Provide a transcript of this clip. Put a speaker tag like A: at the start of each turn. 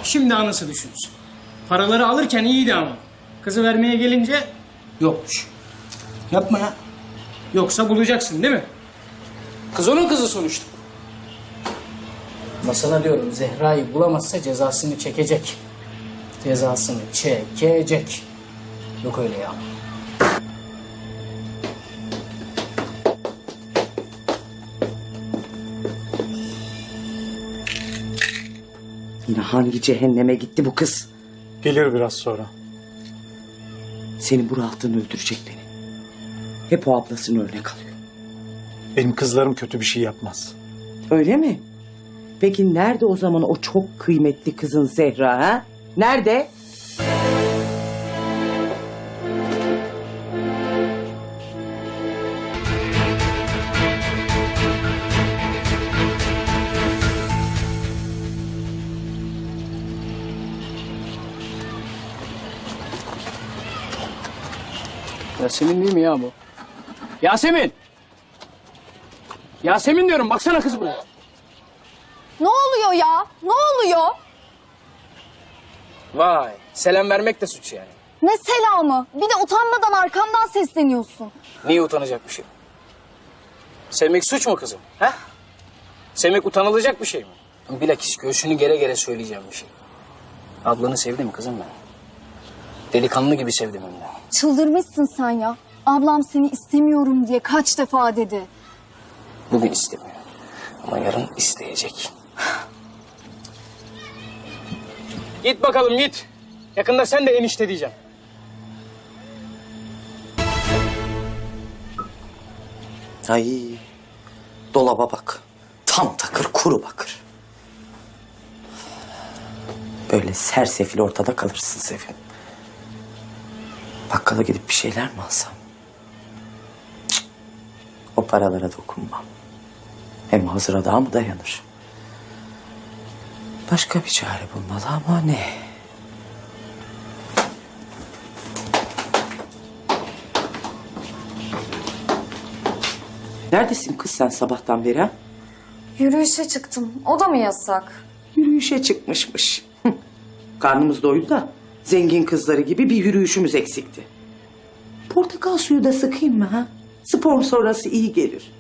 A: şimdi anası düşünsün. Paraları alırken iyiydi ama. Kızı vermeye gelince yokmuş.
B: Yapma ya.
A: Yoksa bulacaksın değil mi? Kız onun kızı sonuçta. Masana diyorum, Zehra'yı bulamazsa cezasını çekecek. Cezasını çekecek. Yok öyle ya.
C: Yine hangi cehenneme gitti bu kız?
B: Gelir biraz sonra.
C: Senin bu rahatlığın öldürecek beni. Hep o ablasını örnek alıyor.
B: Benim kızlarım kötü bir şey yapmaz.
C: Öyle mi? Peki nerede o zaman o çok kıymetli kızın Zehra ha? Nerede?
A: Yasemin değil mi ya bu? Yasemin! Yasemin diyorum, baksana kız buraya.
D: Ne oluyor ya? Ne oluyor?
A: Vay, selam vermek de suç yani.
D: Ne selamı? Bir de utanmadan arkamdan sesleniyorsun.
A: Niye utanacak bir şey? Sevmek suç mu kızım? He? Sevmek utanılacak bir şey mi? Bilakis göğsünü gere gere söyleyeceğim bir şey. Ablanı sevdim kızım ben. Delikanlı gibi sevdim hem de.
D: Çıldırmışsın sen ya. Ablam seni istemiyorum diye kaç defa dedi.
A: Bugün istemiyor. Ama yarın isteyecek. Git bakalım git. Yakında sen de enişte diyeceğim.
C: Ay, dolaba bak. Tam takır kuru bakır. Böyle sersefil ortada kalırsın Sevim. Bakkala gidip bir şeyler mi alsam? Cık, o paralara dokunmam. Hem hazıra daha mı dayanır? Başka bir çare bulmalı ama ne? Neredesin kız sen sabahtan beri ha?
D: Yürüyüşe çıktım. O da mı yasak?
C: Yürüyüşe çıkmışmış. Hı. Karnımız doydu da zengin kızları gibi bir yürüyüşümüz eksikti. Portakal suyu da sıkayım mı ha? Spor sonrası iyi gelir.